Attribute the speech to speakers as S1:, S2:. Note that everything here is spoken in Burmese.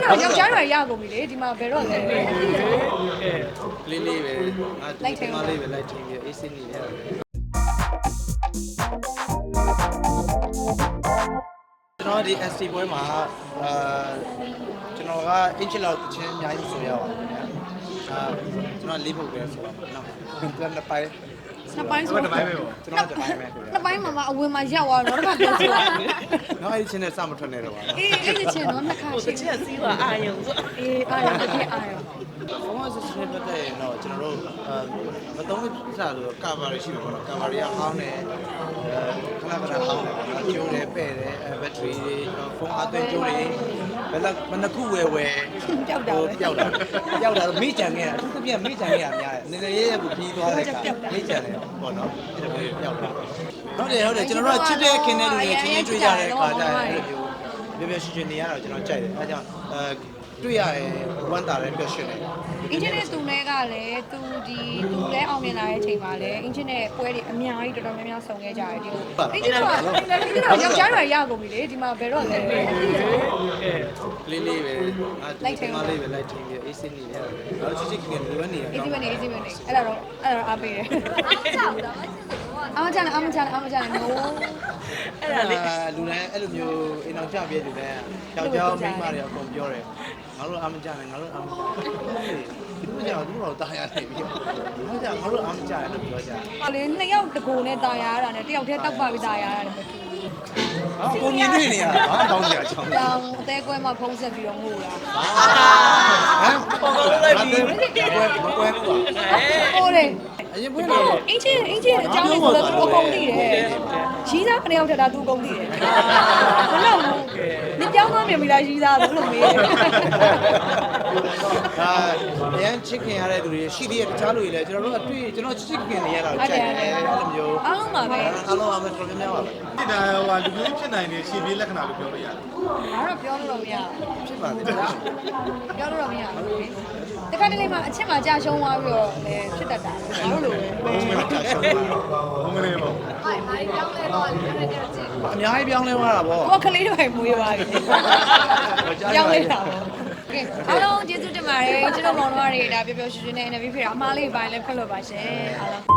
S1: တော့ယောက်ျားတွေရကုန်ပြီလေဒီမှာဘယ်တော့လဲ
S2: လေးလေးပဲလိုက်ထင်းမလေးပဲလိုက်ထင်းပြီးအေးစင်းနေရတယ်ကျွန်တော်ဒီ SC ပွဲမှာကျွန်တော်ကအင်ချီလောက်တစ်ချင်းအများကြီးဆိုရပါတယ်ခင်ဗျာကျွန်တော်လေးဖို့ပဲဆိုတော့နော်ကျွန်တော်နှစ်ပိုင်း
S1: နှစ်ပိုင်းဆို
S2: တစ်ပိုင်းပဲပေါ့ကျွန်တော်တစ်ပိုင်းပဲခင်ဗျာ
S1: နှစ်ပိုင်းမှာအဝင်မှာရောက်သွားတော့တော့ပြောဆိုရတယ်
S2: နော်အဲ့ဒီချင်းနဲ့စမထွက်နေတော့ပါ
S1: အေးအဲ့ဒီချင်းတော့နှစ်ခါရှိ
S3: ချစ်စီးပါအာယုံဆို
S1: အေးအာရုံတစ်ခေတ်အာရုံ
S2: ဘုံမစစ်စစ်ပတ်တဲ့တော့ကျွန်တော်တို့မသုံးလို့စားလို့ကာဗာရီရှိမှာပေါ့နော်ကာဗာရီကဟောင်းတယ်ခဏခဏဟောင်းတယ်ပေါ့နော်ကျိုးတယ်ပဲ့တယ်ဘက်ထရီတွေဖုန်းအသွင်းကျိုးတွေဘယ်နှစ်ခုဝယ်
S1: ပျောက်တာ
S2: တော့မိကြံခဲ့တာအထူးသဖြင့်မိကြံခဲ့တာများတယ်နည်းနည်းရေးကိုပြီးသွားတဲ့အခါမိကြံတယ်ပေါ့နော်အဲ့ဒါမျိုးပျောက်တာဟုတ်တယ်ကျွန်တော်တို့ကချစ်တဲ့ခင်တဲ့လူတွေချင်းချင်းတွေ့ကြတဲ့အခါကျရင်အဲ့လိုမျိုးပြပြရှင်ရှင်နေရတော့ကျွန်တော်ကြိုက်တယ်အဲကြောင့်တွေ့ရတယ်ဝမ်းသာတယ်ပျော်ရွှင်တယ်
S1: အင်ဂျင်နဲ့သူနဲ့ကလည်းသူလည်းအောင်မြင်လာတဲ့အချိန်မှာလည်းအင်ဂျင်နဲ့ပွဲတွေအများကြီးတော်တော်များများဆုံခဲ့ကြတယ်ဒီလိုအင်ဂျင်ကယောက်ျားတွေရကုန်ပြီလေဒီမှာဘယ်တော့လဲ
S2: လေးလေးပဲလိုက်ထင်းမလေးပဲလိုက်ထင်းပြီးအေးစင်းနေရတယ်တော့ချစ်ချစ်ခင်ခင်လိုနေရတယ်
S1: အေးစင်းနေအဲ့ဒါတော့အားပေးတယ်အားကြတယ်နိုး
S3: အဲ့ဒါလေး
S2: လူတိုင်းအဲ့လိုမျိုးအိမ်အောင်ကြပြည့်လူတိုင်းယောက်ျားမိန်းမတွေအကုန်ပြောတယ်ငါတို့အားမကြနဲ့ငါတို့အားမကြဘူးဒီလိုကြောင့်သူတို့တာယာနေပြီဟုတ်ကြငါတို့အားမကြတယ်လို့ပြောကြ
S1: ဟောလေနှစ်ယောက်တကူနဲ့တာယာရတာနဲ့တယောက်တည်းတောက်ပါပြီးတာယာရတယ်မတူဘူး
S2: အကုန်မြင်နေရတာဘာတောင်းကြချောင်း
S1: တောင်းအသေးကွဲမှာဖုံးဆက်ပြီးတော့ငိုတာ
S2: ဟမ်ပေါ်လို့လိုက်ပြီးမကွဲဘူး
S1: ဟိုလေ
S2: အရင်ပွင့်တော့
S1: အင်းချင်းအကြောင်းလေးဆိုတော့သူအကုန်သိတယ်ရီးသားခဏရောက်ထတာသူအကုန်သိတယ်ဘယ်လောက်လဲဒီကြောင်းသွားမြင်ပြီလားရီးသားဘယ်လိုမေးလဲ
S2: အရင်ချစ်ခင်ရတဲ့သူတွေရှိသေးတဲ့တခြားလူတွေလည်းကျွန်တော်တို့အတွေ့ကျွန်တော်ချစ်ခင်နေရတာကြိုက်တယ်အဲ့လိုမျိုး
S1: အားလုံးပါပဲ
S2: အားလုံးပါပဲတော်တော်များများပါပဲ
S4: ဖြစ်တာဟိုလူကြီးဖြစ်နိုင်တဲ့ရှင်ပြေးလက္ခဏာလို့ပြောလို့ရတယ်
S1: ။ဒါတော့ပြောလို့တော့မရဘူး
S2: ။ဖြစ်ပါသေးတယ်
S1: ။ပြောလို့တော့မရဘူး။တခါတလေမှအချက်မှကြာရှုံးသွားပြီးတော့လည်းဖြစ်တတ်တာ။ဘာလို့လဲ
S4: ။ဘုံမလေးပေါ့။
S1: ဟိုင်မာရီပြောင်းလဲတော့လည်းတဲ့ကြည့်
S2: ။အများကြီးပြောင်းလဲသွားတာပေါ့
S1: ။ကိုကလေးတွေမွေးသွားပြီ။ပြောင်းလဲတာပေါ့။ကဲအားလုံးကျေးဇူးတင်ပါတယ်။ကျွန်တော်မောင်တို့တွေဒါပျော်ပျော်ရွှင်ရွှင်နဲ့ interview ဖြစ်တာအမားလေးပိုင်းလည်းဖတ်လို့ပါရှင်။အားလုံး